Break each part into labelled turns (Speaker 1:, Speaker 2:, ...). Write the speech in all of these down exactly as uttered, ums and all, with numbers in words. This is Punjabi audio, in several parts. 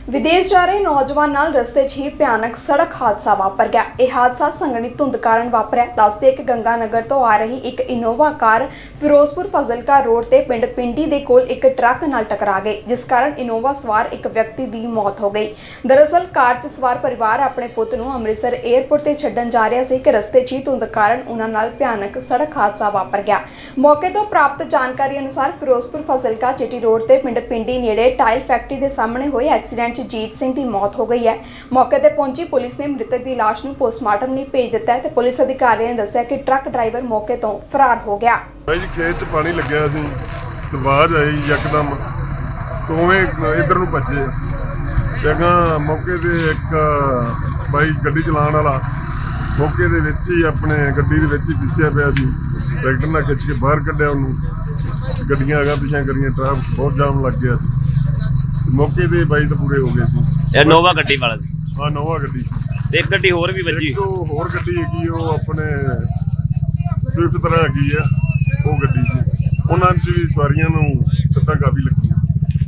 Speaker 1: विदेश जा रहे नौजवान नाल रस्ते च ही भयानक सड़क हादसा वापर गया। यह हादसा संघनी धुंध कारण वापरिया। दसदे कि गंगानगर तो आ रही एक Innova car Firozpur Fazilka road ते पिंड पिंडी दे कोल एक ट्रक नाल टकरा गई, जिस कारण इनोवा सवार एक व्यक्ति की मौत हो गई। दरअसल कार च सवार परिवार अपने पुत नूं अमृतसर एयरपोर्ट ते छड्डण जा रहा सी कि रस्ते च ही धुंध कारण उन्हां नाल भयानक सड़क हादसा वापर गया। मौके तो प्राप्त जानकारी अनुसार फिरोजपुर फजलका चिटी रोड ते पिंड पिंडी नेड़े टाइल फैक्ट्री के सामने हुए एक्सीडेंट जीत सिंह की मौत हो गई है। मौके पर पहुंची पुलिस ने मृतक की लाश नूं पोस्टमार्टम लई भेज दिता है। पुलिस अधिकारियों ने दस्सिया कि ट्रक ड्राइवर मौके तो फरार हो गया।
Speaker 2: भाई खेत च पानी लग्या सी ते आवाज आई यकदम दोवें इधर नूं भज्जे। जगह मौके ते एक भाई गड्डी चलाउण वाला मौके दे विच ही अपने गड्डी दे विच ही फिसिया पिया सी। ट्रैक्टर नाल खिच के बाहर कढिया उहनूं। गड्डियां अगां पिछां करियां, ट्रैफिक बहुत जाम लग गया सी। मौके ते बाई तो पूरे हो गए सी।
Speaker 3: ਇਹ ਨੋਵਾ ਗੱਡੀ ਵਾਲਾ ਸੀ।
Speaker 2: हाँ नोवा गड्डी
Speaker 3: ਤੇ ਇੱਕ ਗੱਡੀ ਹੋਰ ਵੀ ਵੱਜੀ।
Speaker 2: एक तो होर गड्डी हैगी ਉਹ ਆਪਣੇ स्विफ्ट तरह हैगी ਆ ਉਹ ਗੱਡੀ ਸੀ। ਉਹਨਾਂ ਚ ਵੀ ਸਵਾਰੀਆਂ ਨੂੰ ਸੱਟਾਂ ਕਾਫੀ ਲੱਗੀਆਂ।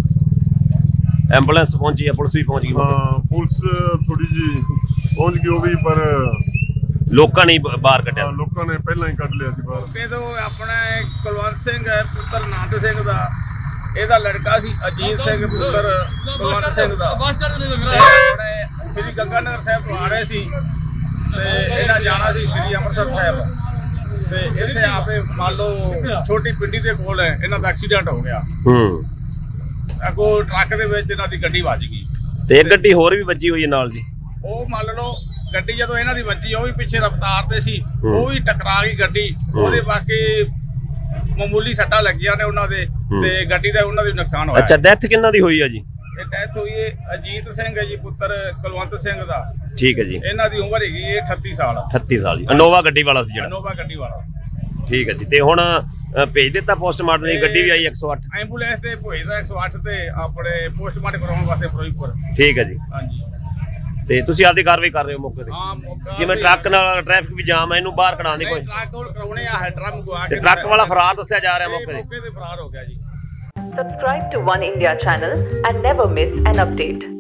Speaker 3: ਐਂਬੂਲੈਂਸ ਪਹੁੰਚੀ ਹੈ, ਪੁਲਿਸ ਵੀ ਪਹੁੰਚ ਗਈ।
Speaker 2: ਹਾਂ ਪੁਲਿਸ ਥੋੜੀ ਜੀ ਪਹੁੰਚ ਗਈ ਉਹ ਵੀ, ਪਰ
Speaker 3: ਲੋਕਾਂ ਨੇ ਬਾਹਰ ਕੱਢਿਆ।
Speaker 2: ਹਾਂ, ਲੋਕਾਂ ਨੇ ਪਹਿਲਾਂ ਹੀ ਕੱਢ ਲਿਆ ਸੀ ਬਾਹਰ।
Speaker 4: ਮੌਕੇ ਤੋਂ ਆਪਣਾ ਕੁਲਵੰਤ ਸਿੰਘ ਹੈ ਪੁੱਤਰ ਨਾਨਕ ਸਿੰਘ ਦਾ, ਇਹਦਾ ਲੜਕਾ ਸੀ ਅਜੀਤ ਸਿੰਘ ਪੁੱਤਰ ਕੁਲਵੰਤ ਸਿੰਘ ਦਾ। ਆਪਣੇ ਸ੍ਰੀ ਗੰਗਾਨਗਰ ਸਾਹਿਬ ਤੋਂ ਆ ਰਹੇ ਸੀ ਤੇ ਇਹਨਾਂ ਜਾਣਾ ਸੀ ਸ੍ਰੀ ਅੰਮ੍ਰਿਤਸਰ ਸਾਹਿਬ। ਤੇ ਇੱਥੇ ਆਪੇ ਮੰਨ ਲਓ ਛੋਟੀ ਪਿੰਡੀ ਦੇ ਕੋਲ ਇਹਨਾਂ ਦਾ ਐਕਸੀਡੈਂਟ ਹੋ ਗਿਆ।
Speaker 3: ਹੂੰ
Speaker 4: ਅੱਗੋਂ ਟਰੱਕ ਦੇ ਵਿੱਚ ਇਹਨਾਂ ਦੀ ਗੱਡੀ ਵੱਜ ਗਈ
Speaker 3: ਤੇ ਇੱਕ ਗੱਡੀ ਹੋਰ ਵੀ ਵੱਜੀ ਹੋਈ ਹੈ ਨਾਲ ਜੀ।
Speaker 4: ਉਹ ਮੰਨ ਲਓ ਗੱਡੀ ਜਦੋਂ ਇਹਨਾਂ ਦੀ ਵੱਜੀ ਉਹ ਵੀ ਪਿੱਛੇ ਰਫ਼ਤਾਰ ਤੇ ਸੀ, ਉਹ ਵੀ ਟਕਰਾ ਗਈ ਗੱਡੀ। ਉਹਦੇ ਬਾਕੀ ਮਾਮੂਲੀ ਸੱਟਾਂ ਲੱਗੀਆਂ ਨੇ ਉਹਨਾਂ ਦੇ ਤੇ ਗੱਡੀ ਦਾ ਉਹਨਾਂ ਦੀ ਨੁਕਸਾਨ ਹੋਇਆ।
Speaker 3: ਅੱਛਾ, ਡੈਥ ਕਿੰਨਾ ਦੀ ਹੋਈ ਹੈ ਜੀ?
Speaker 4: ਇਹ ਡੈਥ ਹੋਈ ਹੈ ਅਜੀਤ ਸਿੰਘ ਹੈ ਜੀ ਪੁੱਤਰ ਕੁਲਵੰਤ ਸਿੰਘ ਦਾ।
Speaker 3: ਠੀਕ ਹੈ ਜੀ।
Speaker 4: ਇਹਨਾਂ ਦੀ ਉਮਰ ਹੈਗੀ ਹੈ ਅਠੱਤੀ ਸਾਲ।
Speaker 3: ਅਠੱਤੀ ਸਾਲ ਜੀ। ਇਨੋਵਾ ਗੱਡੀ ਵਾਲਾ ਸੀ ਜਿਹੜਾ।
Speaker 4: ਇਨੋਵਾ ਗੱਡੀ ਵਾਲਾ।
Speaker 3: ਠੀਕ ਹੈ ਜੀ। ਤੇ ਹੁਣ ਅ, ਭੇਜ ਦਿੱਤਾ ਪੋਸਟਮਾਰਟਮ ਲਈ? ਗੱਡੀ ਵੀ ਆਈ ਇੱਕ ਸੌ ਅੱਠ
Speaker 4: ਐਂਬੂਲੈਂਸ ਤੇ ਭੇਜਦਾ ਇੱਕ ਸੌ ਅੱਠ ਤੇ ਆਪਣੇ ਪੋਸਟਮਾਰਟਮ ਕਰਾਉਣ ਵਾਸਤੇ ਫਿਰੋਜ਼ਪੁਰ।
Speaker 3: ਠੀਕ ਹੈ ਜੀ।
Speaker 4: ਹਾਂਜੀ
Speaker 3: ਤੇ ਤੁਸੀਂ ਆਪਦੀ ਕਾਰਵਾਈ ਕਰ ਰਹੇ ਹੋ ਮੌਕੇ ਤੇ?
Speaker 4: ਹਾਂ ਮੌਕਾ
Speaker 3: ਜਿਵੇਂ ਟਰੱਕ ਨਾਲ ਟ੍ਰੈਫਿਕ ਵੀ ਜਾਮ ਹੈ, ਇਹਨੂੰ ਬਾਹਰ ਕਢਾਉਣ ਦੀ ਕੋਈ?
Speaker 4: ਟਰੱਕ ਉਹ ਕਰਾਉਣੇ ਆ ਹੈਡਰਮ ਗਵਾ
Speaker 3: ਤੇ
Speaker 4: ਕੇ
Speaker 3: ਟਰੱਕ ਵਾਲਾ ਫਰਾਰ ਦੱਸਿਆ ਜਾ ਰਿਹਾ ਮੌਕੇ ਤੇ।
Speaker 4: ਮੌਕੇ ਤੇ ਫਰਾਰ ਹੋ ਗਿਆ ਜੀ।
Speaker 5: Subscribe to One India channel and never miss an update.